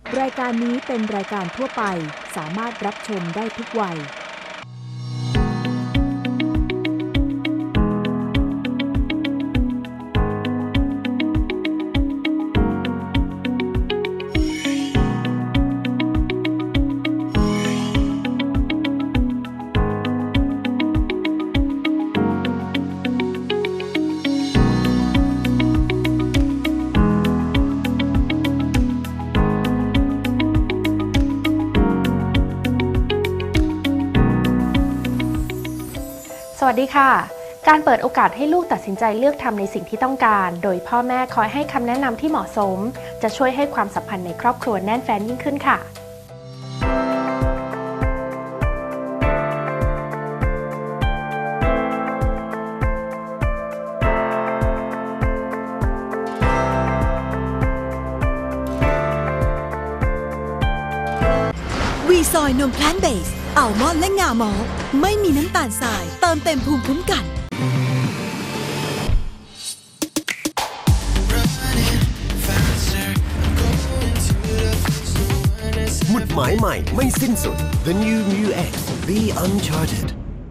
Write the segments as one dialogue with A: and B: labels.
A: รายการนี้เป็นรายการทั่วไปสามารถรับชมได้ทุกวัย
B: สวัสดีค่ะ การเปิดโอกาสให้ลูกตัดสินใจเลือกทำในสิ่งที่ต้องการ โดยพ่อแม่คอยให้คำแนะนำที่เหมาะสม จะช่วยให้ความสัมพันธ์ในครอบครัวแน่นแฟ้นยิ่งขึ้นค่ะ
C: วีซอยนมแพลนเบสอัลมอนด์และงามอลต์ไม่มีน้ำตาลทรายเติมเต็มภูมิคุ้มกัน
D: หมุดหมายใหม่ไม่สิ้นสุด The New Mu X Be Uncharted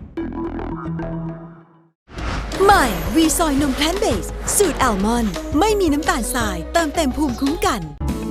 C: ใหม่วีซอยนมแพลนเบสสูตรอัลมอนด์ไม่มีน้ำตาลทรายเติมเต็มภูมิคุ้มกัน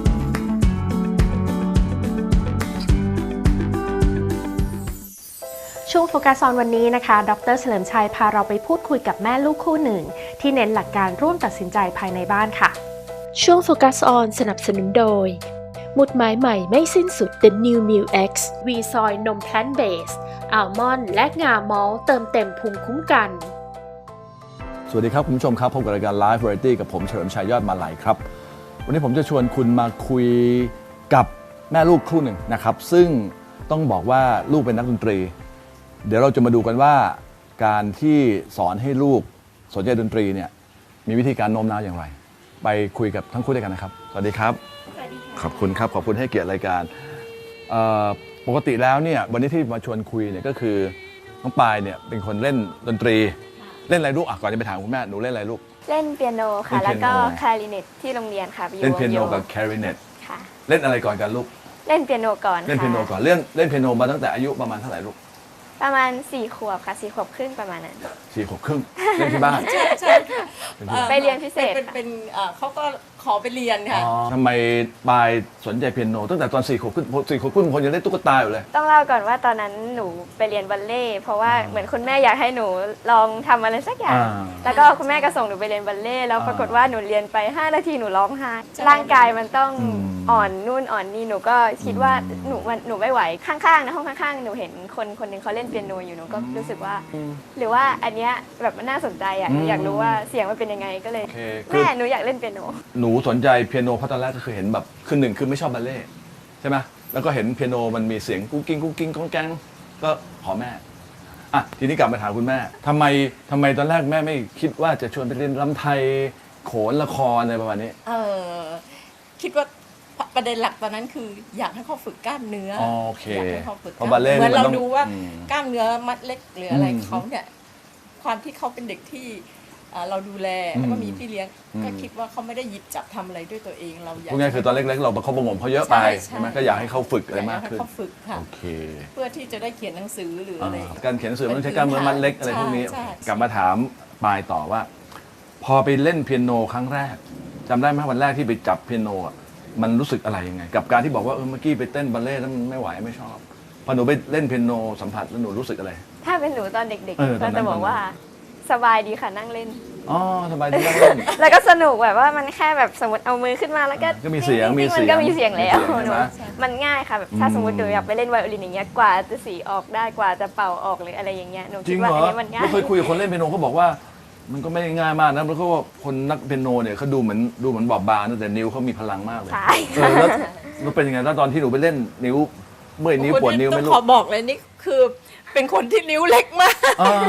B: ช่วงโฟกัสออนวันนี้นะคะ ดร.เฉลิมชัยพาเราไปพูดคุยกับแม่ลูกคู่หนึ่งที่เน้นหลักการร่วมตัดสินใจภายในบ้านค่ะช่วงโฟกัสออนสนับสนุนโดยหมุดหมายใหม่ไม่สิ้นสุด The New Mu X วีซอยนมแพลนเบสอัลมอนด์และงามอลต์เติมเต็มภูมิคุ้มกัน
E: สวัสดีครับคุณผู้ชมครับพบกับรายการ Live Variety กับผมเฉลิมชัยยอดมาลัยครับวันนี้ผมจะชวนคุณมาคุยกับแม่ลูกคู่หนึ่งนะครับซึ่งต้องบอกว่าลูกเป็นนักดนตรีเดี๋ยวเราจะมาดูกันว่าการที่สอนให้ลูกสนใจดนตรีเนี่ยมีวิธีการโน้มน้าวอย่างไรไปคุยกับทั้งคู่ด้วยกันนะครับสวัสดีครับขอบคุณครับขอบคุณให้เกียรติรายการปกติแล้วเนี่ยวันนี้ที่มาชวนคุยเนี่ยก็คือน้องปายเนี่ยเป็นคนเล่นดนตรีเล่นอะไรลูกก่อนจะไปถามคุณแม่หนูเล่นอะไรลูก
F: เล่นเปียโนค่ะ
E: เล่นเปียโน
F: แล้วก็คลาริเนตที่โรงเรียนค่ะ
E: เล่นเปียโนกับแคลริเนต
F: ค่ะ
E: เล่นอะไรก่อนกันลูก
F: เล่นเปียโนก่อน
E: เล่นเปียโนก่อนเล่นเปียโนมาตั้งแต่อายุประมาณเท่าไหร่ลูก
F: ประมาณ4 ขวบค่ะ4 ขวบครึ่งประมาณนั้น
E: 4 ขวบครึ่งเล่นที่บ้าน
G: ใช่
F: ไปเรียนพิเศษ
G: เป็นเขาก็ขอไปเรียนค่ะ
E: ทำไมปายสนใจเปียโนตั้งแต่ตอน4 ขวบครึ่ง4 ขวบครึ่งคนยังเล่นตุ๊กตาอยู่เลย
F: ต้องเล่าก่อนว่าตอนนั้นหนูไปเรียนบัลเล่ต์เพราะว่าเหมือนคุณแม่อยากให้หนูลองทำอะไรสักอย่างแล้วก็คุณแม่ก็ส่งหนูไปเรียนบัลเล่ต์แล้วปรากฏว่าหนูเรียนไป5 นาทีหนูร้องไห้ร่างกายมันต้องอ่อนนู่นอ่อนนี่หนูก็คิดว่าหนูไม่ไหวข้างๆนะห้องข้างๆหนูเห็นคนหนึ่งเขาเล่นเปียโนอยู่หนูก็รู้สึกว่าหรือว่าอันเนี้ยแบบมันน่าสนใจอ่ะหนูอยากรู้ว่าเสียงมันเป็นยังไงก็เลยแม่หนูอยากเล่นเปียโน
E: หนูสนใจเปียโนเพราะตอนแรกก็คือเห็นแบบคือหนึ่งคือไม่ชอบบัลเล่ต์ใช่ไหมแล้วก็เห็นเปียโนมันมีเสียงกุ๊กกิ้งกุ๊กกิ้งก้องแกงก็ขอแม่อ่ะทีนี้กลับมาถามคุณแม่ทำไมตอนแรกแม่ไม่คิดว่าจะชวนไปเรียนรำไทยโขนละครอะไรประมาณนี้
G: คิดว่าประเด็นหลักตอนนั้นคืออยากให้เขาฝึกกล้ามเนื้อ
E: โอเค
G: อยากให้เขาฝึก
E: เพราะบัลเล่ต์
G: เหมือนเราดูว่ากล้ามเนื้อมัดเล็กหรืออะไรเขาเนี่ยความที่เขาเป็นเด็กที่เราดูแลแล้วก็มีพี่เลี้ยงก็คิดว่าเขาไม่ได้หยิบจับทำอะไรด้วยตัวเองเราอยาก
E: พูดง่ายคือตอนเล็กๆเราประคบประงมเขาเยอะไปใช่ไหมก็อยากให้เขาฝึกอะไรมากขึ้น
G: เขาฝึกค่ะ
E: โอเค
G: เพื่อที่จะได้เขียนหนังสือหรืออะไร
E: การเขียนหนังสือมันใช้กล้ามเนื้อมัดเล็กอะไรพวกนี้กลับมาถามปายต่อว่าพอไปเล่นเปียโนครั้งแรกจำได้ไหมวันแรกที่ไปจับเปียโนมันรู้สึกอะไรยังไงกับการที่บอกว่าเมื่อกี้ไปเต้นบัลเล่ต์แล้วมันไม่ไหวไม่ชอบพอหนูไปเล่นเปียโนสัมผัสแล้วหนูรู้สึกอะไร
F: ถ้าเป็นหนูตอนเด็กๆก็จะบอกว่าสบายดีค่ะนั่งเล่น
E: สบายดีนั่งเล่น
F: แล้วก็สนุกแบบว่ามันแค่แบบสมมติเอามือขึ้นมาแล้ว
E: ก็มีเสียง
F: มันก็มีเสียงแล้วมันง่ายค่ะแบบถ้าสมมติหนูอยากไปเล่นไวโอลินอย่างเงี้ยกว่าจะสีออกได้กว่าจะเป่าออกหรืออะไรอย่างเงี้ยหนูคิดว่าอันนี้มันง่าย
E: เคยคุยกับคนเล่นเปียโนเขาบอกว่ามันก็ไม่ได้ง่ายมากนะเพราะว่าคนนักเปียโนเนี่ยเขาดูเหมือนบอบบางแต่นิ้วเขามีพลังมากเลย
F: ใช่
E: แล้วเป็นยังไงตอนที่หนูไปเล่นนิ้วเมื่อยนิ้วปวดนิ้วไหมลูก
G: ขอบอกเลยนี่คือเป็นคนที่นิ้วเล็กมาก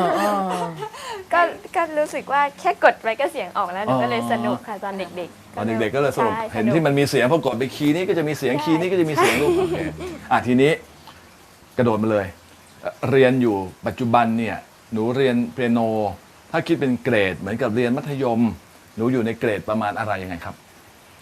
F: ก็รู้สึกว่าแค่กดไปก็เสียงออกแล้วหนูก็เลยสนุกค่ะตอนเด็กๆ
E: ตอนเด็กๆก็เลยสนุกเห็นที่มันมีเสียงพอกดไปคีย์นี้ก็จะมีเสียงคีย์นี้ก็จะมีเสียงลูกโอเคทีนี้กระโดดมาเลยเรียนอยู่ปัจจุบันเนี่ยหนูเรียนเปียโนถ้าคิดเป็นเกรดเหมือนกับเรียนมัธยมหนูอยู่ในเกรดประมาณอะไรยังไงครับ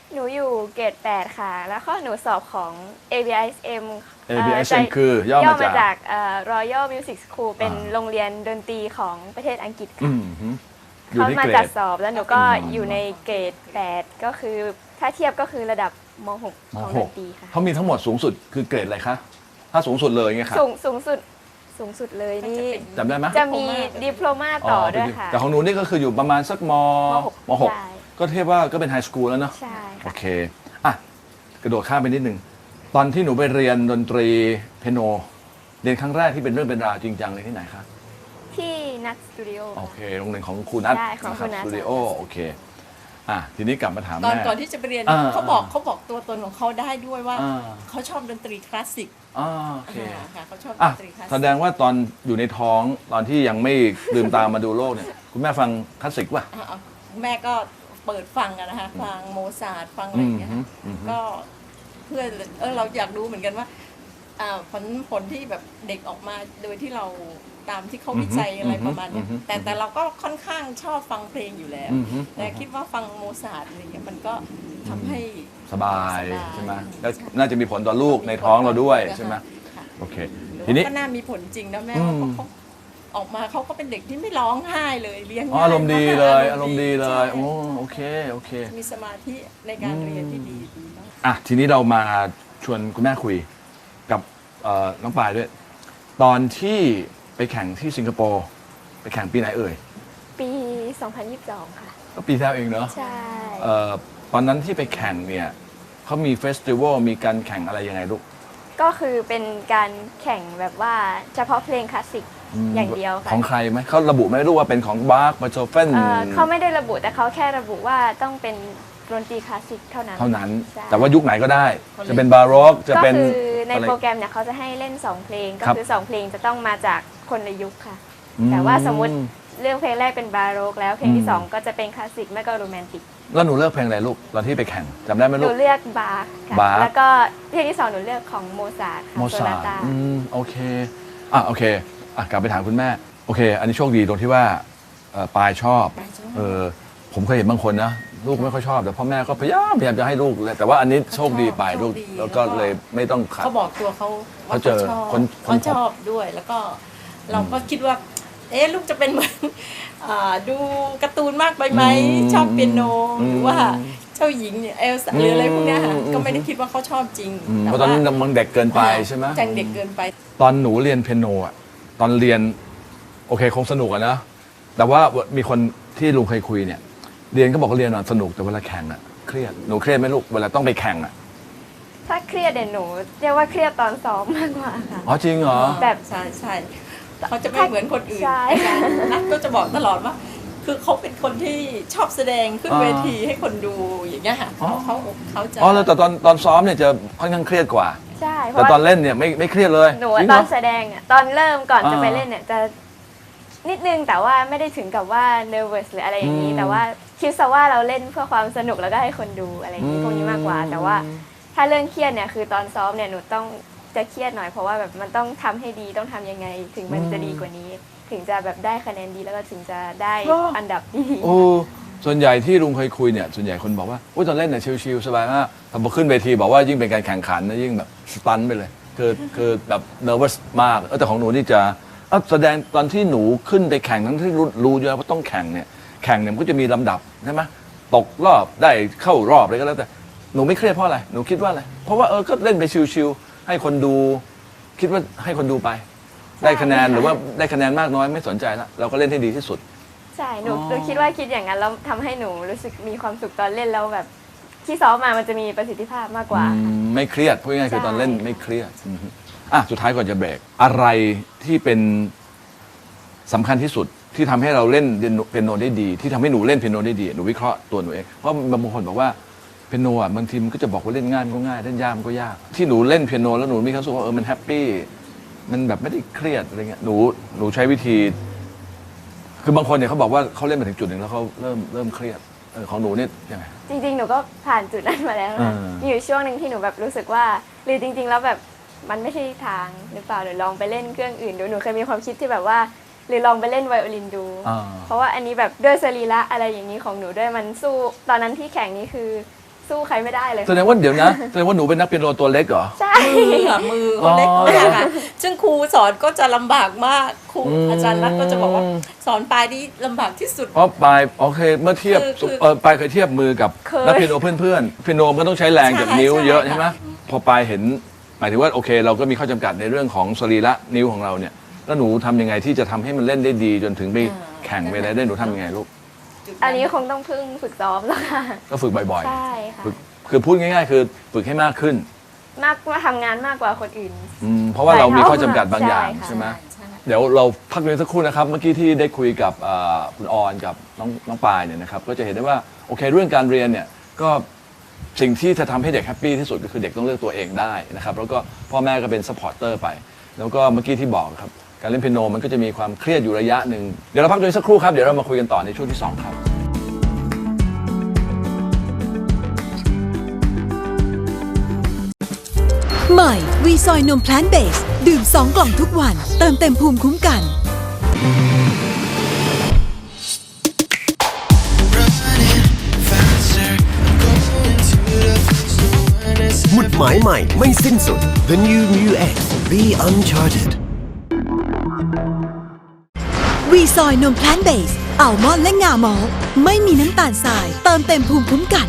F: หนูอยู่เกรด 8 ค่ะ แล้วก็หนูสอบของ ABISM
E: ABISM คือย่อมาจาก
F: Royal Music School เป็นโรงเรียนดนตรีของประเทศอังกฤษ
E: อื
F: ค่ะ
E: มฮึอยู่
F: เขา
E: ที่
F: มา
E: เกร
F: จัด
E: ด
F: สอบแล้วหนูก็อยู่ในเกรด 8 ก็คือถ้าเทียบก็คือระดับม .6 ของดนตรีค่ะ
E: เขามีทั้งหมดสูงสุดคือเกรดอะไรคะ ถ้าสูงสุดเลยไงครับ
F: สูงสุดเลยนี่
E: จำได้ไหม
F: จะมีดิโพลมาต่อด้วยค่ะ
E: แต่ของหนูนี่ก็คืออยู่ประมาณสักม
F: หก
E: หก
F: ใช่
E: ก็เทียบว่าก็เป็นไฮสคูลแล้วเนาะ
F: ใช่
E: โอ
F: ค่ะ
E: เค อ่ะ กระโดดข้ามไปนิดนึง ตอนที่หนูไปเรียนดนตรีเปียโน เรียนครั้งแรกที่เป็นเรื่องเป็นราวจริงจังเลยที่ไหนคะ
F: ที่นัทสตูดิโอ
E: โอเค โรงเรียนของครูนัท
F: ใช่ของครูนัท
E: สตูดิโอ โอเค อ่ะ ทีนี้กลับมาถาม
G: ตอน
E: แม่
G: ก่อนที่จะไปเรียน เขาบอกตัวตนของเขาได้ด้วยว่า
E: อ่า
G: เขาชอบดนตรีคลาสสิก
E: อ่าโอเค
G: ค่ะเขาชอบด
E: อ่ะ
G: นตรีคลาส
E: แส
G: สิก
E: ดงว่าตอนอยู่ในท้องตอนที่ยังไม่ลืมตามาดูโลกเนี่ย คุณแม่ฟังคลาสสิกป่ะ
G: แม่ก็เปิดฟังกันนะคะฟังโมซาร์ทฟังอะไรอย่างเงี้ยค่ะ
E: อืม
G: ก็เพื่อเราอยากรู้เหมือนกันว่าผลที่แบบเด็กออกมาโดยที่เราตามที่เขาวิจัยอะไรประมาณเนี้ยแต่เราก็ค่อนข้างชอบฟังเพลงอยู่แล้ว แต่คิดว่าฟังโมซาร์ทอะไรเงี้ยมันก็ทำให้
E: สบายใช่ไหมแล้วน่าจะมีผลต่อลูกในท้องเราด้วยใช่ไหม
G: ค่ะ
E: โอเค
G: หรือ
E: ทีนี้
G: ว่าก็น่ามีผลจริงนะแม่ว่าเขาออกมาเขาก็เป็นเด็กที่ไม่ร้องไห้เลยเลี้ยง
E: อ๋อ
G: ง่าย
E: อารมณ์ดีเลยอารมณ์ดีเลย
G: ใช่
E: โอ้โอเคโอเค
G: มีสมาธิในการเรียนที่ดีมาก
E: อ่ะทีนี้เรามาชวนคุณแม่คุยกับน้องปายด้วย ตอนที่ไปแข่งที่สิงคโปร์ไปแข่งปีไหนเอ่ย
F: ปี 2022 ค่ะ
E: ก็ปีที่แล้วเองเนอะ
F: ใช่
E: ตอนนั้นที่ไปแข่งเนี่ยเขามีเฟสติวัลมีการแข่งอะไรยังไงลูก
F: ก็คือเป็นการแข่งแบบว่าเฉพาะเพลงคลาสสิกอย่างเดียวค่ะ
E: ของใครไหมเขาระบุไหม่รู้ว่าเป็นของบาร์กมาโชเฟน
F: เขาไม่ได้ระบุแต่เขาแค่ระบุว่าต้องเป็นดนตรีคลาสสิกเท่านั้น
E: เท่านั้น
F: ใช่
E: แต่ว่ายุคไหนก็ได้ จะเป็นบาร์โรกจะ
F: ก็
E: เป็น
F: คือใน
E: อะไร
F: โปรแกรมเนี่ยเขาจะให้เล่น 2 เพลง ก็
E: ครับ
F: คือ 2 เพลงจะต้องมาจากคนละยุคค่ะ
E: อืม
F: แต่ว่าสมมติเรื่องเพลงแรกเป็นบาโรกแล้วเพลงที่
E: อืม
F: 2 ก็จะเป็นคลาสสิกไม่ก็โรแมนติก
E: แล้วหนูเลือกเพลงอะไรลูกตอนที่ไปแข่งจำได้ไหม
F: ห
E: ลู
F: นู
E: ก
F: เลือกบาร์กค่ะ
E: บาร์ก
F: แล้วก็เพลงที่ 2 หนูเลือกของโมซาร์ทค่ะ
E: โม
F: โซ
E: ซา
F: นา
E: ร์ท
F: ตา
E: โอเคโอเคกลับไปถามคุณแม่โอเค อันนี้โชคดีตรงที่ว่าปายชอบ
G: ปายชอบ
E: ผมเคยเห็นบางคนนะลูกไม่ค่อยชอบแต่พ่อแม่ก็พยายามจะให้ลูกเลยแต่ว่าอันนี้โชคดีไปลูก
G: โชคดี
E: แล้วก็เลยไม่ต้องขัด
G: เขาบอกตัวเขาว่า
E: เขาเจอ
G: ชอบ
E: คน
G: เขาชอบด้วยแล้วก็เราก็คิดว่า ลูกจะเป็นเหมือนดูการ์ตูนมากไปไหมชอบเปียโนหรือว่าเจ้าหญิงเนี่ยเอลซ่าหรืออะไรพวกเนี้ยค่ะก็ไม่ได้คิดว่าเขาชอบจริง
E: เพราะตอนนั้นมันเด็กเกินไปใช่ไหม
G: จังเด็กเกินไป
E: ตอนหนูเรียนเปียโนอ่ะตอนเรียนโอเคคงสนุกอะนะแต่ว่ามีคนที่ลุงเคยคุยเนี่ยเรียนก็บอกว่าเรียนสนุกแต่เวลาแข่งอะเครียดหนูเครียดไหมลูกเวลาต้องไปแข่งอะ
F: ถ้าเครียดเดี๋ยวหนูเรียกว่าเครียดตอนซ้อมมากกว่าค่ะ
E: อ๋อจริงเหรอ
F: แบบ
G: ใช่ใช่เขาจะไม่เหมือนคนอื่น
F: ใช่
G: นักก็จะบอกตลอดว่า คือเขาเป็นคนที่ชอบแสดงขึ้นเวทีให้คนดูอย่างเงี้ยค่ะเขาจะ
E: อ๋อแล้วแต่ตอนซ้อมเนี่ยจะค่อนข้างเครียดกว่า
F: ใช่เพ
E: แต่
F: ราะ
E: ตอ
F: ว่าน
E: เล่นเนี่ยไม่เครียดเลย
F: หนู
E: จริง
F: ต
E: เหร
F: อนแสดงตอนเริ่มก่อนจะไป
E: อ่า
F: เล่นเนี่ยจะนิดนึงแต่ว่าไม่ได้ถึงกับว่า nervous หรืออะไรอย่างนี้ แต่ว่าคิดซะว่าเราเล่นเพื่อความสนุกแล้วก็ให้คนดูอะไรอย่างนี้พวกนี้มากกว่า แต่ว่าถ้าเรื่องเครียดเนี่ยคือตอนซ้อมเนี่ยหนูต้องจะเครียดหน่อยเพราะว่าแบบมันต้องทำให้ดีต้องทำยังไง ถึงมันจะดีกว่านี้ ถึงจะแบบได้คะแนนดีแล้วก็ถึงจะได้อันดับที่ดี
E: โอ้ส่วนใหญ่ที่ลุงเคยคุยเนี่ยส่วนใหญ่คนบอกว่าโอ้ยตอนเล่นเนี่ยชิลๆสบายมากแต่พอขึ้นเวทีบอกว่ายิ่งเป็นการแข่งขันนะยิ่งแบบสตันไปเลยคือแบบ nervous มากแต่ของหนูนี่จะแสดงตอนที่หนูขึ้นไปแข่งทั้งที่รู้อยู่แล้วว่าต้องแข่งเนี่ยมันก็จะมีลำดับใช่ไหมตกรอบได้เข้ารอบอะไรก็แล้วแต่หนูไม่เครียดเพราะอะไรหนูคิดว่าอะไรเพราะว่าก็เล่นไปชิลๆให้คนดูคิดว่าให้คนดูไป ได้คะแนนหรือว่าได้คะแนนมากน้อยไม่สนใจละเราก็เล่นให้ดีที่สุด
F: ใช่หนูคิดว่าคิดอย่างนั้นแล้วทำให้หนูรู้สึกมีความสุขตอนเล่นแล้วแบบที่ซ้อมมามันจะมีประสิทธิภาพมากกว่าค่ะ
E: ไม่เครียดพูดง่ายๆคือ
F: ใช่
E: ตอนเล่นไม่เครียดสุดท้ายก่อนจะเบรกอะไรที่เป็นสำคัญที่สุดที่ทำให้เราเล่นเปียโนได้ดีที่ทำให้หนูเล่นเปียโนได้ดีหนูวิเคราะห์ตัวหนูเองเพราะบางคนบอกว่าเปียโนอ่ะบางทีมันก็จะบอกว่าเล่นง่ายมันก็ง่ายเล่นยากมันก็ยากที่หนูเล่นเปียโนแล้วหนูมีความรู้สึกว่ามันแฮปปี้มันแบบไม่ได้เครียดอะไรเงี้ยหนูใช้วิธีคือบางคนเนี่ยเขาบอกว่าเขาเล่นมาถึงจุดหนึ่งแล้วเขาเริ่มเครียดของหนูเนี่ยยังไง
F: จริงๆ หนูก็ผ่านจุดนั้นมาแล้วค่ะมีอยู่ช่วงหนึ่งที่หนูแบบรู้สึกว่าหรือจริงๆ แล้วแบบมันไม่ใช่ทางหรือเปล่าหรือลองไปเล่นเครื่องอื่นดูหนูเคยมีความคิดที่แบบว่าหรือลองไปเล่นไวโอลินดู เพราะว่าอันนี้แบบด้วยสรีระอะไรอย่างนี้ของหนูด้วยมันสู้ตอนนั้นที่แข่งนี้คือสู้ใครไม่ได้เลย
E: แสดงว่าเดี๋ยวนะแสดงว่าหนูเป็นนักเปียโนตัวเล็กเหรอ
F: ใช่
G: มือเขาเล็กมากค่ะซึ่งครูสอนก็จะลำบากมากครูอาจารย์รัฐก็จะบอกว่าสอนปลายนี่ลำบากที่สุด
E: เพราะปลายโอเคเมื่อเทียบ
G: คือ
E: ปลายเคยเทียบมือกับนักเปียโนเพื่อนๆเปียโนมันก็ต้องใช้แรงจากนิ้วเยอะใช่ไหมพอปลายเห็นหมายถึงว่าโอเค เราก็มีข้อจำกัดในเรื่องของสรีระนิ้วของเราเนี่ยแล้วหนูทำยังไงที่จะทำให้มันเล่นได้ดีจนถึงไปแข่งไปอะไรได้หนูทำยังไงลูก
F: อันนี้คงต้องพึ่งฝึกซ้อมแล้วค่ะ
E: ก็ฝึกบ่อย
F: ใช่ค่ะ
E: ๆฝึกคือพูดง่ายๆ คือฝึกให้มากขึ้น
F: มากว่าทำงานมากกว่าคนอื่น
E: เพราะว่าเรามีข้อจำกัดบางอย่าง
F: ใช่ค่ะ
E: ใช่ไหมเดี๋ยวเราพักเรียนสักครู่นะครับเมื่อกี้ที่ได้คุยกับคุณออนกับน้องปายเนี่ยนะครับก็จะเห็นได้ว่าโอเคเรื่องการเรียนเนี่ยก็สิ่งที่จะทำให้เด็กแฮปปี้ที่สุดก็คือเด็กต้องเลือกตัวเองได้นะครับแล้วก็พ่อแม่ก็เป็นซัพพอร์ตเตอร์ไปแล้วก็เมื่อกี้ที่บอกครับการเล่นเปียโนมันก็จะมีความเครียดอยู่ระยะหนึ่งเดี๋ยวเราพักเรียนสักครู่ครับเดี๋ยวเรามาคุยกันต่อในช่วงที่ 2 ครับ
C: ใหม่วีซอยนมแพลนเบสดื่ม2 กล่องทุกวัน เติมเต็มภูมิคุ้มกัน
D: หมุดหมายใหม่ไม่สิ้นสุด The New Mu X Be Uncharted
C: วีซอยนมแพลนเบสอัลมอนด์และงามอลต์ไม่มีน้ำตาลทราย เติมเต็มภูมิคุ้มกัน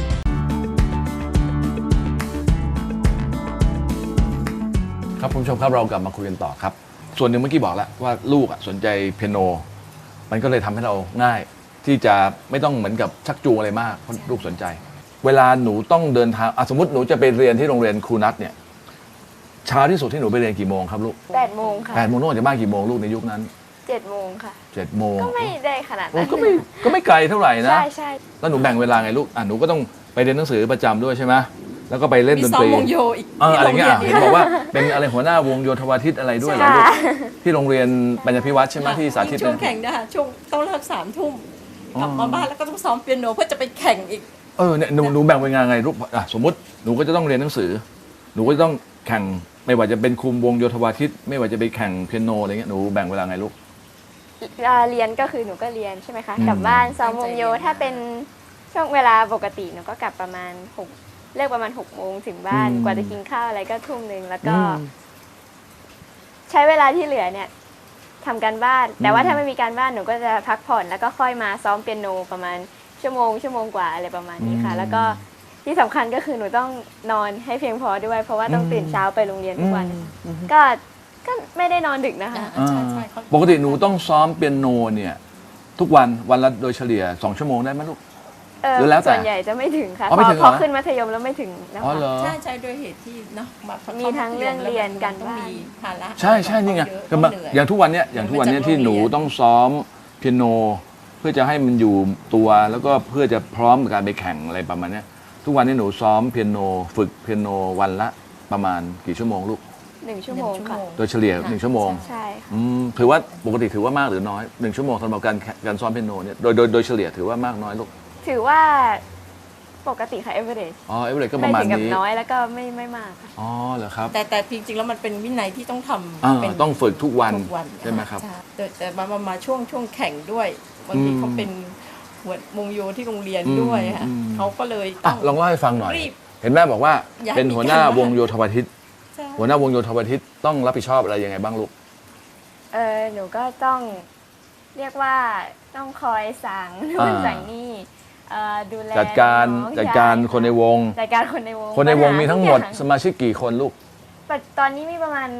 E: ครับคุณผู้ชมครับเรากลับมาคุยกันต่อครับส่วนหนึ่งเมื่อกี้บอกแล้วว่าลูกสนใจเปียโนมันก็เลยทำให้เราง่ายที่จะไม่ต้องเหมือนกับชักจูงอะไรมากเพราะลูกสนใจ เวลาหนูต้องเดินทางสมมติหนูจะไปเรียนที่โรงเรียนครูนัทเนี่ยเช้าที่สุดที่หนูไปเรียนกี่โมงครับลูก
F: 8 โมงค่ะ
E: 8 โมงต้องออกจากบ้านกี่โมงลูกในยุคนั้น
F: 7 โมงค่ะ
E: 7 โมง
F: ก็ไม่ได้ขนาด
E: โอ้
F: นั้น
E: ก็ไม่ไกลเท่าไหร่นะ
F: ใช่ใช่
E: แล้วหนูแบ่งเวลาไงลูกหนูก็ต้องไปเรียนหนังสือประจำด้วยใช่ไหมแล้วก็ไปเล่น
G: มี
E: ดน
G: ซ้อ
E: ต
G: ม
E: รี
G: วงโยอีก
E: อะไรเงี้ย
G: ที่
E: เห็น
G: โรงรี
E: บอกว่าเป็นอะไรหัวหน้าวงโยธวาทิตอะไรด้วยเหรอลูกที่โรงเรียนปัญญาภิวัฒน์ใช่ไหมที่สาธิต
G: ช่วงแข่งนะคะช่วงต้องเลิก3 ทุ่มกลับมาบ้านแล้วก็ต้องซ้อมเปียโนเพื่อจะไปแข่งอีก
E: เนี่ยหนูแบ่งเวลาไงลูกสมมติหนูก็จะต้องเรียนหนังสือหนูก็จะต้องแข่งไม่ว่าจะเป็นคุมวงโยธวาทิตไม่ว่าจะไปแข่งเปียโนอะไรเงี้ยหนูแบ่งเวลาไงลูก
F: เรียนก็คือหนูก็เรียนใช่ไหมคะกลับบ้านซ้อมวงโยถ้าเป็นช่วงเวลาปกติหนูก็กลับประมาณเลิกประมาณ6 โมงถึงบ้านกว่าจะกินข้าวอะไรก็ทุ่มนึงแล้วก็ใช้เวลาที่เหลือเนี่ยทำการบ้านแต่ว่าถ้าไม่มีการบ้านหนูก็จะพักผ่อนแล้วก็ค่อยมาซ้อมเปียโนประมาณชั่วโมงกว่าอะไรประมาณนี้ค่ะแล้วก็ที่สำคัญก็คือหนูต้องนอนให้เพียงพอด้วยเพราะว่าต้องตื่นเช้าไปโรงเรียนทุกวันก็ไม่ได้นอนดึกนะคะ
G: ใช่
E: ปกติหนูต้องซ้อมเปียโนเนี่ยทุกวันละโดยเฉลี่ย2 ชั่วโมงได้ไหมลูก หรือแล้วแต่
F: ส่วนใหญ่จะไม่ถึงค่ะ
E: อ๋อไม่ถึงเหรอ
F: พอขึ้นมัธยมแล้วไม่ถึงแล้ว
E: อ๋อเหรอ
G: ใช่ด้วยเหตุที่เนาะมา
F: มีทั้งเรื่องเรียนการ
G: ต้อง
F: บ้าน
G: มีภาระ
E: ใช่นี่ไง
G: เยอะ
E: ก็มา
G: เหนื่อย
E: อย่างทุกวันเนี้ยที่หนูต้องซ้อมเปียโนเพื่อจะให้มันอยู่ตัวแล้วก็เพื่อจะพร้อมกับการไปแข่งอะไรประมาณเนี้ยทุกวันนี้หนูซ้อมเปียโนฝึกเปียโนวันละประมาณกี่ชั่วโมงลูก
F: 1 ชั่วโมงค่ะ
E: โดยเฉลี่ย1 ชั่วโมง
F: ใช่ค่ะ
E: ถือว่าปกติถือว่ามากหรือน้อย1 ชั่วโมงสำหรับการซ้อมเปียโนเนี่ยโดยเฉลี่ยถือว่ามากน้อยลูก
F: ถือว่าปกติค่ะ average
E: เอเวอเรสก็ป
F: ไม่
E: ระมาณ
F: ถึงกับ
E: นี้
F: น้อยแล้วก็ไม่มากค่ะ
E: เหรอครับ
G: แต่จริงๆแล้วมันเป็นวินัยที่ต้องทำเป็น
E: ต้องฝึกทุกวัน
G: ทุกวัน
E: ใช่ไหมครับ
G: แต่มาช่วงแข่งด้วยบางทีเขาเป็นหัววงโยที่โรงเรียนด้วยค่ะเขาก็เลยต้อง
E: ลองเล่าให้ฟังหน่อย
G: รีบ
E: เห็นแม่บอกว่า
G: อยาก
E: เป็นหัวหน้าวงโยธวาทิต
G: ใช่
E: หัวหน้าวงโยธวาทิตต้องรับผิดชอบอะไรยังไงบ้างลูก
F: หนูก็ต้องเรียกว่าต้องคอยสั่งนู่นสั่งนี่ดูแล
E: จัดการ
F: น้อง
E: จัดการ
F: ใช่
E: คนในวง
F: จัดการคนในวง
E: คนในวงมีทั้งหมด
F: ปัญา
E: สมาชิกกี่คนลูก
F: ตอนนี้มีประมาณ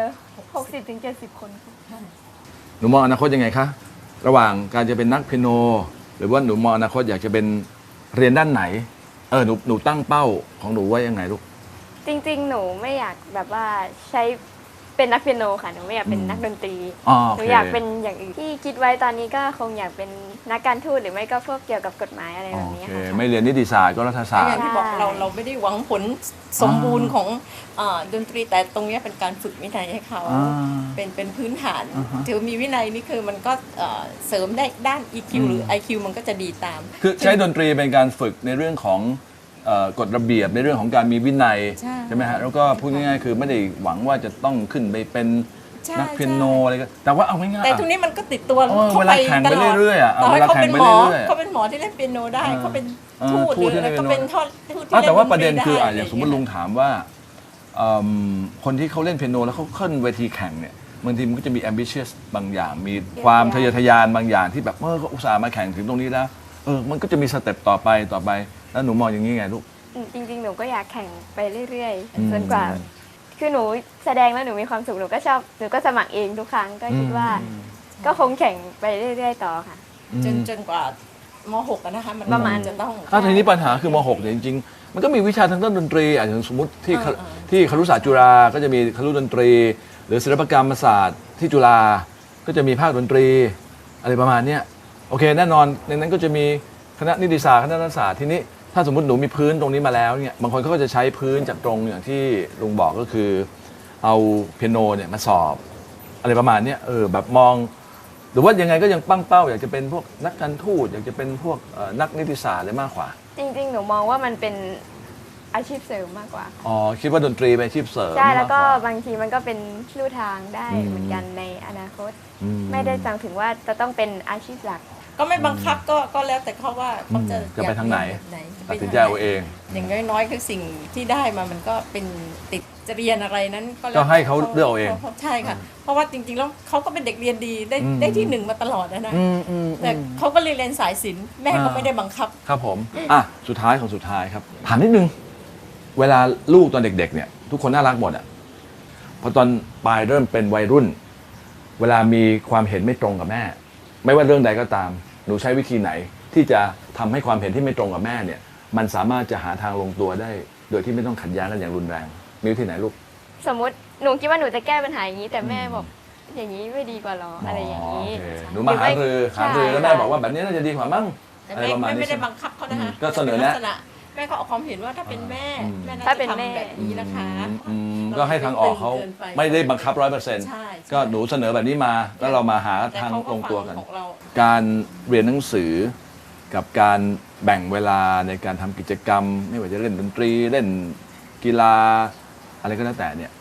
F: 60-70 คนค่ะ
E: หนูมองอนาคตยังไงคะระหว่างการจะเป็นนักเปียโน หรือว่าหนูมองอนาคตอยากจะเป็นเรียนด้านไหนหนูตั้งเป้าของหนูไว้ยังไงลูก
F: จริงๆ หนูไม่อยากแบบว่าใช้เป็นนักเปียโนค่ะหนูไม่อยากเป็นนักดนตรี
E: โอ
F: ห
E: เค
F: นูอยากเป็นอย่างอื่นที่คิดไว้ตอนนี้ก็คงอยากเป็นนักการทูตหรือไม่ก็พวกเกี่ยวกับกฎหมายอะไรแบบนี้
E: โอเค
F: ค่ะ
E: ไม่เรียนนิติศาสตร์ก็รัฐศาสต
G: อย่า
E: ร์
G: งที่บอกเราไม่ได้หวังผลสมบูรณ์ของดนตรีแต่ตรงเนี้ยเป็นการฝึกวินัยให้เขา เป็นพื้นฐานถือมีวินัยนี่คือมันก็เสริมได้ด้าน EQ หรือ IQ มันก็จะดีตาม
E: คือใช้ดนตรีเป็นการฝึกในเรื่องของกฎระเบียบในเรื่องของการมีวินัย
G: ใช่
E: ไหมฮะแล้วก็พูดง่ายๆคือไม่ได้หวังว่าจะต้องขึ้นไปเป็น
G: ใช่
E: นักเปียโนอะไรก็แต่ว่าเอาง่ายๆ
G: แต่ทุกนี้มันก็ติดตัว
E: เวลาแข่งไปเรื่อยๆอ่ะ
G: ต่อให้
E: เวลา
G: เขา
E: แข่
G: เป็
E: ง
G: น
E: ไป
G: หมอ
E: เรื่อยๆ
G: เขาเป็นหมอที่เล่นเปียโนได้เขาเป็นทูตห
E: ทู
G: รือ
E: ตที่
G: อะไร
E: เล่นเปียโน
G: เขาเป็นทูตที่เล่น
E: แต่ว่า
G: ดน
E: ประเด็น
G: ได้
E: คืออย่างสมมติลุงถามว่าคนที่เขาเล่นเปียโนแล้วเขาขึ้นเวทีแข่งเนี่ยบางทีมันก็จะมี ambitious บางอย่าง มีความทะเยอทะยานบางอย่างที่แบบเขาอุตส่าห์มาแข่งถึงตรงนี้แล้วมันก็จะมีสเต็ปต่อไปแล้วหนูมองอย่างนี้ไงลูก
F: จริงๆ หนูก็อยากแข่งไปเรื่อยๆจนกว่า คือหนูแสดงแล้วหนูมีความสุขหนูก็ชอบหนูก็สมัครเองทุกครั้งก็คิดว่า ก็คงแข่งไปเรื่อยๆ ต่อค่ะ
G: จนกว่าม.6อะนะคะมัน
F: ประมาณ
G: จะต้อง
E: ถ้าทีนี้ปัญหาคือม .6 เนี่ยจริงๆ มันก็มีวิชาทางด้านดนตรีอย่างสมมติที่ครุศาสตร์จุฬาก็จะมีครุดนตรี หรือศิลปกรรมศาสตร์ที่จุฬาก็จะมีภาคดนตรีอะไรประมาณเนี้ยโอเคแน่นอนในนั้นก็จะมีคณะนิติศาสตร์คณะรัฐศาสตร์ทีนี้ถ้าสมมติหนูมีพื้นตรงนี้มาแล้วเนี่ยบางคนเขาก็จะใช้พื้นจากตรงอย่างที่ลุงบอกก็คือเอาเปียโนเนี่ยมาสอบอะไรประมาณเนี้ยแบบมองหรือว่ายังไงก็ยังตั้งเป้าอยากจะเป็นพวกนักการทูตอยากจะเป็นพวกนักนิติศาสตร์อะไรมากกว่า
F: จริงๆ หนูมองว่ามันเป็นอาชีพเสริมมากกว่า
E: อ๋อคิดว่าดนตรีเป็นอาชีพเสริม
F: ใช่แล้วก็
E: มากว่า
F: บางทีมันก็เป็นลู่ทางได้
E: อืม
F: เหมือนกันในอนาคต
E: อืม
F: ไม่ได้จำถึงว่าจะต้องเป็นอาชีพหลัก
G: ก็ไม่บังคับก็แล้วแต่เขาว่าเขาจะ
E: จะไปทางไหน
G: อยกเรียนแบบ
E: ตัดสินใจเอาเอง
G: อย่างน้อยๆคือสิ่งที่ได้มามันก็เป็นติดจะเรียนอะไรนั้นก็แล้ว
E: ก็ให้เขาเลือกเอาเอง
G: ใช่ค่ะ เพราะว่าจริงๆแล้วเขาก็เป็นเด็กเรียนดีได้ที่หนึ่งมาตลอดนะแต่เขาก็เรียนสายศิลป์แม่ก็ไม่ได้บังคับ
E: ครับผมสุดท้ายของสุดท้ายครับถามนิดนึงเวลาลูกตอนเด็กๆเนี่ยทุกคนน่ารักหมดอ่ะพอตอนปลายเริ่มเป็นวัยรุ่น เวลามีความเห็นไม่ตรงกับแม่ ไม่ว่าเรื่องใดก็ตามหนูใช้วิธีไหน ที่จะทำให้ความเห็นที่ไม่ตรงกับแม่เนี่ยมันสามารถจะหาทางลงตัวได้ โดยที่ไม่ต้องขัดแย้งกันอย่างรุนแรงมีวิธีไหนลูก
F: สมมติหนูคิดว่าหนูจะแก้ปัญหาอย่างนี้ แต่แม่บอกอย่างนี้ไม่ดีกว่าหรออะไรอย่างนี้
E: โอเคหนูมาหารือแล้วแม่บอกว่าแบบนี้น่าจะดีกว่ามั้ง
G: แต่
E: อะไร
G: แม่
E: ประมาณนี้
G: ไม่ได้
E: ใช่ไหม
G: บังคับเขานะคะ
E: ก็เสนอแนะ
G: ป็ลักษณแม่ก็ออกความเห็นว่าถ้าเป็นแม่แม่น่า
F: ถ้า
G: จะ
F: เป็นแม่
G: ทำแบบนี้นะคะ
E: ก็ให้ทางออกเขาไม่ได้บังคับ 100%
G: ใช่
E: ก็หนูเสนอแบบนี้มาแล้วเรามาหา
G: แต่
E: ทาง
G: เขา
E: ลงตัวกัน
G: ของเรา
E: การเรียนหนังสือกับการแบ่งเวลาในการทำกิจกรรม ไม่ว่าจะเล่นดนตรีเล่นกีฬาอะไรก็แล้วแต่เนี่ย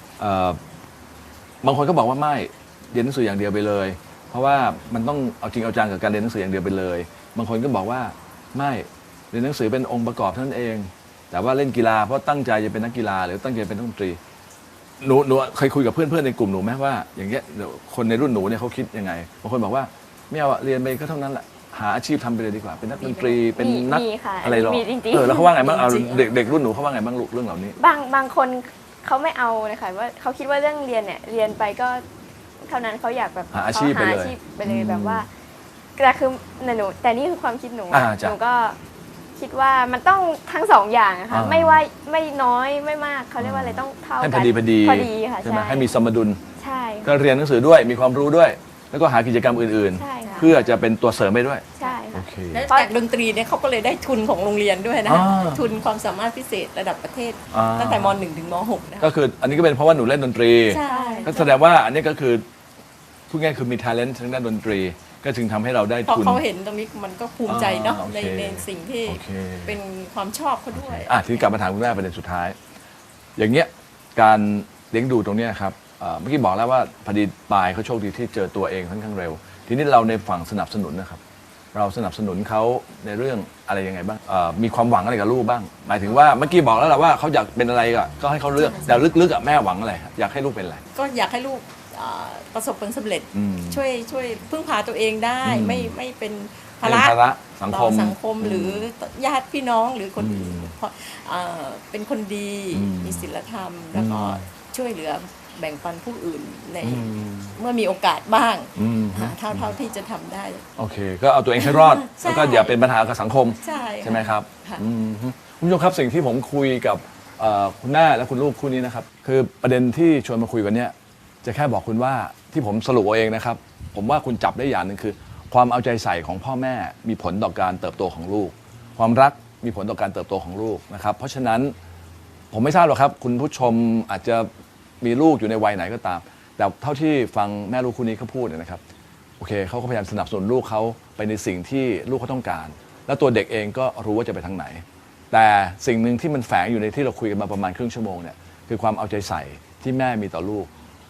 E: บางคนก็บอกว่าไม่เรียนหนังสืออย่างเดียวไปเลย เพราะว่ามันต้องเอาจริงเอาจังกับการเรียนหนังสืออย่างเดียวไปเลย บางคนก็บอกว่าไม่เรียนหนังสือเป็นองค์ประกอบเท่านั้นเอง แต่ว่าเล่นกีฬาเพราะตั้งใจจะเป็นนักกีฬาหรือตั้งใจเป็นนักดนตรีหนูเคยคุยกับเพื่อนๆในกลุ่มหนูไหมว่าอย่างเงี้ยคนในรุ่นหนูเนี่ยเขาคิดยังไงบางคนบอกว่าไม่เอาเรียนไปก็เท่านั้นแหละหาอาชีพทำไปเลยดีกว่าเป็นนักดนตรีเป็นนัก
F: มีค่ะ
E: อะไรหรอ
F: มีจริงๆ
E: แล้วเขาว่าไงบ้างเอา
G: จริงๆ
E: เด็กรุ่นหนูเขาว่าไงบ้างลูกเรื่องเหล่านี้
F: บางคนเขาไม่เอาเลยค่ะว่าเขาคิดว่าเรื่องเรียนเนี่ยเรียนไปก็เท่านั้นเขาอยากแบบ
E: หาอาชีพไปเลย
F: หาอาชีพไปเลยแบบว่าแต่คือหนูแต่นี่คือความคิดหนู
E: จ้ะ
F: หนูก็คิดว่ามันต้องทั้งสองอย่างอะค่ะไม่ว่าไม่น้อยไม่มากเขาเรียกว่าอะไรต้องเท่า
E: ให้
F: กัน
E: พอดี
F: ค่ะ
E: ใช่ไหม
F: ใช่
E: ให้มีสมดุล
F: ใช่
E: ก็เรียนหนังสือด้วยมีความรู้ด้วย แล้วก็หากิจกรรมอื่น
F: ใช่ค่ะ
E: ๆ เพื่อจะเป็นตัวเสริมไปด้วย
F: ใช่
E: โอ
F: ค่ะ
E: เค
G: และจากดนตรีเนี่ยเขาก็เลยได้ทุนของโรงเรียนด้วยนะ
E: อ่า
G: ทุนความสามารถพิเศษระดับประเทศ
E: อ่า
G: ตั้งแต่ม .1 ถึงม .6 นะ
E: ก็คืออันนี้ก็เป็นเพราะว่าหนูเล่นดนตรี
G: ใช่
E: ก็แสดงว่าอันนี้ก็คือพูดง่ายๆคือมี talent ทางด้านดนตรี ก็จึงทำให้เราได้
G: พอ
E: ทุน
G: เขาเห็นตรงนี้มันก็ภูมิใจเนาะ
E: โอเค
G: ในสิ่งที่
E: โอเค
G: เป็นความชอบเขาด้วย
E: ทีนี้กลับมาถามคุณแม่ประเด็นสุดท้าย อย่างเงี้ยการเลี้ยงดูตรงเนี้ยครับเมื่อกี้บอกแล้วว่าพอดีปายเขาโชคดีที่เจอตัวเองค่อนข้างเร็ว ทีนี้เราในฝั่งสนับสนุนนะครับ เราสนับสนุนเขาในเรื่องอะไรยังไงบ้างมีความหวังอะไรกับลูกบ้าง หมายถึงว่าเมื่อกี้บอกแล้วแหละว่าเขาอยากเป็นอะไรก็ให้เขาเลือกแต่ลึกๆแม่หวังอะไรอยากให้ลูกเป็นอะไร
G: ก็อยากให้ลูกประสบผลสำเร็จ
E: อืม
G: ช่วยพึ่งพาตัวเองได้
E: อืม
G: ไม่เป็นภา
E: เป็น
G: ระ
E: ภาระสังค
G: ต่อ
E: ม
G: สังคมหรือญาติพี่น้องหรือคนอื่น
E: อืม
G: เพราะเป็นคนดี
E: อืม
G: มีศีลธรรม แล้วก็
E: อืม
G: ช่วยเหลือแบ่งปันผู้อื่นใน
E: อืม
G: เมื่อมีโอกาสบ้าง
E: อืม
G: เท่าที่จะทำได้
E: โอเค ก็เอาตัวเองให้รอด
G: ใช่
E: แล้วก็อย่าเป็นปัญหากับสังคม
G: ใช่
E: ใช่ไหมครับ
G: ค่ะ
E: คุณผู้ชมครับสิ่งที่ผมคุยกับคุณแม่และคุณลูกคู่นี้นะครับ คือประเด็นที่ชวนมาคุยกันเนี้ยจะแค่บอกคุณว่าที่ผมสรุปเอาเองนะครับ ผมว่าคุณจับได้อย่างหนึ่งคือ ความเอาใจใส่ของพ่อแม่มีผลต่อการเติบโตของลูก ความรักมีผลต่อการเติบโตของลูกนะครับ เพราะฉะนั้นผมไม่ทราบหรอกครับ คุณผู้ชมอาจจะมีลูกอยู่ในวัยไหนก็ตาม แต่เท่าที่ฟังแม่ลูกคู่นี้เขาพูดเนี่ยนะครับ โอเคเขาก็พยายามสนับสนุนลูกเขาไปในสิ่งที่ลูกเขาต้องการ แล้วตัวเด็กเองก็รู้ว่าจะไปทางไหน แต่สิ่งหนึ่งที่มันแฝงอยู่ในที่เราคุยกันมาประมาณครึ่งชั่วโมงเนี่ยคือความเอาใจใส่ที่แม่มีต่อลูก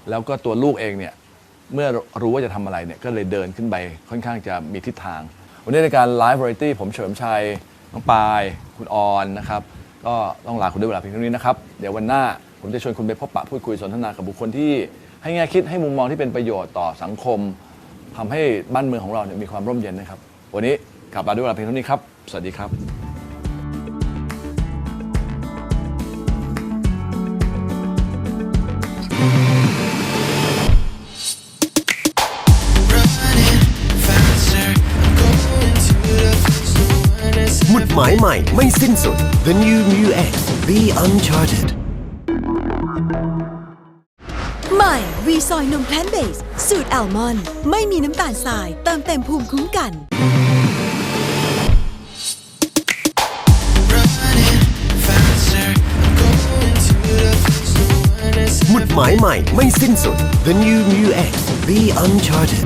E: แล้วก็ตัวลูกเองเนี่ยเมื่อรู้ว่าจะทำอะไรเนี่ยก็เลยเดินขึ้นไปค่อนข้างจะมีทิศทางวันนี้ในการ Live Variety ผมเฉลิมชัยน้องปายคุณออนนะครับก็ต้องลาคุณด้วยเวลาเพียงเท่านี้นะครับเดี๋ยววันหน้าผมจะชวนคุณไปพบปะพูดคุยสนทนากับบุคคลที่ให้แง่คิดให้มุมมองที่เป็นประโยชน์ต่อสังคมทำให้บ้านเมืองของเราเนี่ยมีความร่มเย็นนะครับวันนี้กลับลาด้วยเวลาเพียงเท่านี้ครับสวัสดีครับ
D: หมุดหมายใหม่ไม่สิ้นสุด The New Mu X Be Uncharted
C: ใหม่วีซอยนมแพลนเบสสูตรอัลมอนด์ไม่มีน้ำตาลทรายเติมเต็มภูมิคุ้มกัน
D: หมุดหมายใหม่ไม่สิ้นสุด The New Mu X Be Uncharted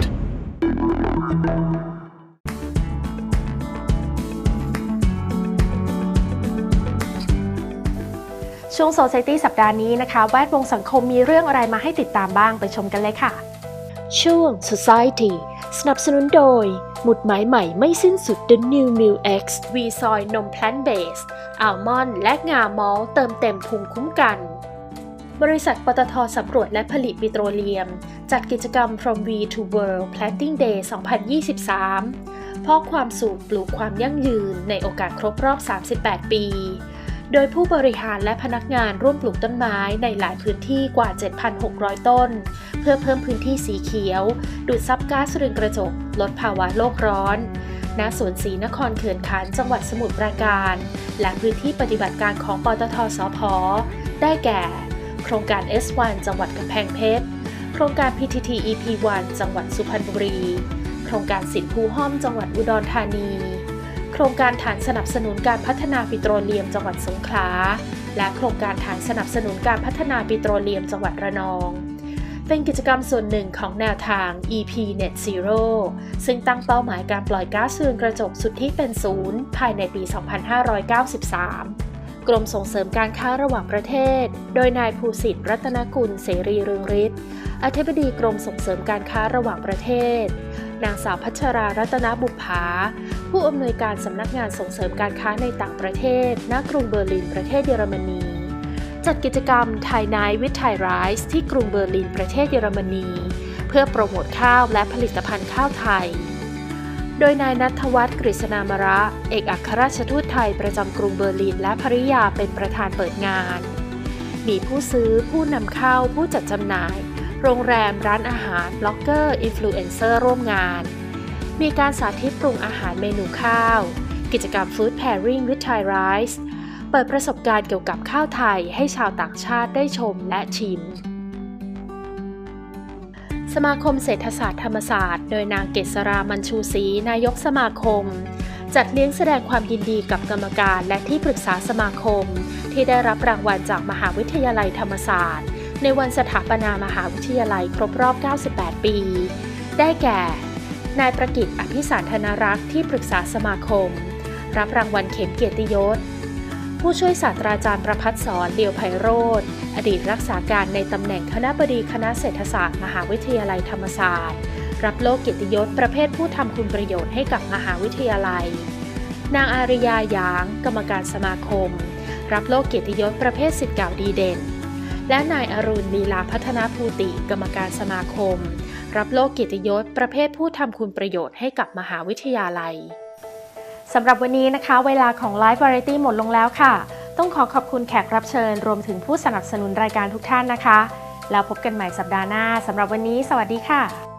B: ช่วง Society สัปดาห์นี้นะคะแวดวงสังคมมีเรื่องอะไรมาให้ติดตามบ้างไปชมกันเลยค่ะช่วง Society สนับสนุนโดยหมุดหมายใหม่ไม่สิ้นสุด The New Mu X วีซอยนมแพลนเบสอัลมอนด์และงามอลต์เติมเต็มภูมิคุ้มกันบริษัทปตท.สำรวจและผลิตปิโตรเลียมจัดกิจกรรม From We to World Planting Day 2023 เพราะความสุขปลูกความยั่งยืนในโอกาสครบรอบ 38 ปีโดยผู้บริหารและพนักงานร่วมปลูกต้นไม้ในหลายพื้นที่กว่า 7,600 ต้นเพื่อเพิ่มพื้นที่สีเขียวดูดซับก๊าซเรือนกระจกลดภาวะโลกร้อนณสวนศรีนครเขื่อนขันธ์จังหวัดสมุทรปราการและพื้นที่ปฏิบัติการของปตท.สผ.ได้แก่โครงการ S1 จังหวัดกำแพงเพชรโครงการ PTT EP1 จังหวัดสุพรรณบุรีโครงการสิทธิภูห้อมจังหวัดอุดรธานีโครงการฐานสนับสนุนการพัฒนาปิโตรเลียมจังหวัดสงขลาและโครงการฐานสนับสนุนการพัฒนาปิโตรเลียมจังหวัดระนองเป็นกิจกรรมส่วนหนึ่งของแนวทาง EP Net Zero ซึ่งตั้งเป้าหมายการปล่อยก๊าซเรือนกระจกสุทธิเป็นศูนย์ภายในปี 2593 กรมส่งเสริมการค้าระหว่างประเทศโดยนายภูสิทธิ์รัตนกุลเสรีเรืองฤทธิ์อธิบดีกรมส่งเสริมการค้าระหว่างประเทศนางสาวพัชรารัตนบุปผาผู้อำนวยการสำนักงานส่งเสริมการค้าในต่างประเทศณกรุงเบอร์ลินประเทศเยอรมนีจัดกิจกรรมไทยไนท์วิทไทยไรซ์ที่กรุงเบอร์ลินประเทศเยอรมนีเพื่อโปรโมทข้าวและผลิตภัณฑ์ข้าวไทยโดยนายณัฐวัฒน์กฤษณามระเอกอัครราชทูตไทยประจำกรุงเบอร์ลินและภริยาเป็นประธานเปิดงานมีผู้ซื้อผู้นำเข้าผู้จัดจำหน่ายโรงแรมร้านอาหารบล็อกเกอร์อินฟลูเอนเซอร์ร่วมงานมีการสาธิตปรุงอาหารเมนูข้าวกิจกรรม Food Pairing with Thai Rice เปิดประสบการณ์เกี่ยวกับข้าวไทยให้ชาวต่างชาติได้ชมและชิมสมาคมเศรษฐศาสตร์ธรรมศาสตร์โดยนางเกษรามัญชูศรีนายกสมาคมจัดเลี้ยงแสดงความยินดีกับกรรมการและที่ปรึกษาสมาคมที่ได้รับรางวัลจากมหาวิทยาลัยธรรมศาสตร์ในวันสถาปนามหาวิทยาลัยครบรอบ 98 ปีได้แก่นายประกิต อภิสารธนรักษ์ที่ปรึกษาสมาคมรับรางวัลเข็มเกียรติยศผู้ช่วยศาสตราจารย์ประภัสสรเลียวไพโรจน์อดีตรักษาการในตำแหน่งคณบดีคณะเศรษฐศาสตร์มหาวิทยาลัยธรรมศาสตร์รับโล่เกียรติยศประเภทผู้ทำคุณประโยชน์ให้กับมหาวิทยาลัยนางอาริยาหยางกรรมการสมาคมรับโล่เกียรติยศประเภทศิษย์เก่าดีเด่นและนายอรุณลีลาพัฒนาภูติกรรมการสมาคมรับโล่เกียรติยศประเภทผู้ทำคุณประโยชน์ให้กับมหาวิทยาลัยสำหรับวันนี้นะคะเวลาของ Live Variety หมดลงแล้วค่ะต้องขอบคุณแขกรับเชิญรวมถึงผู้สนับสนุนรายการทุกท่านนะคะแล้วพบกันใหม่สัปดาห์หน้าสำหรับวันนี้สวัสดีค่ะ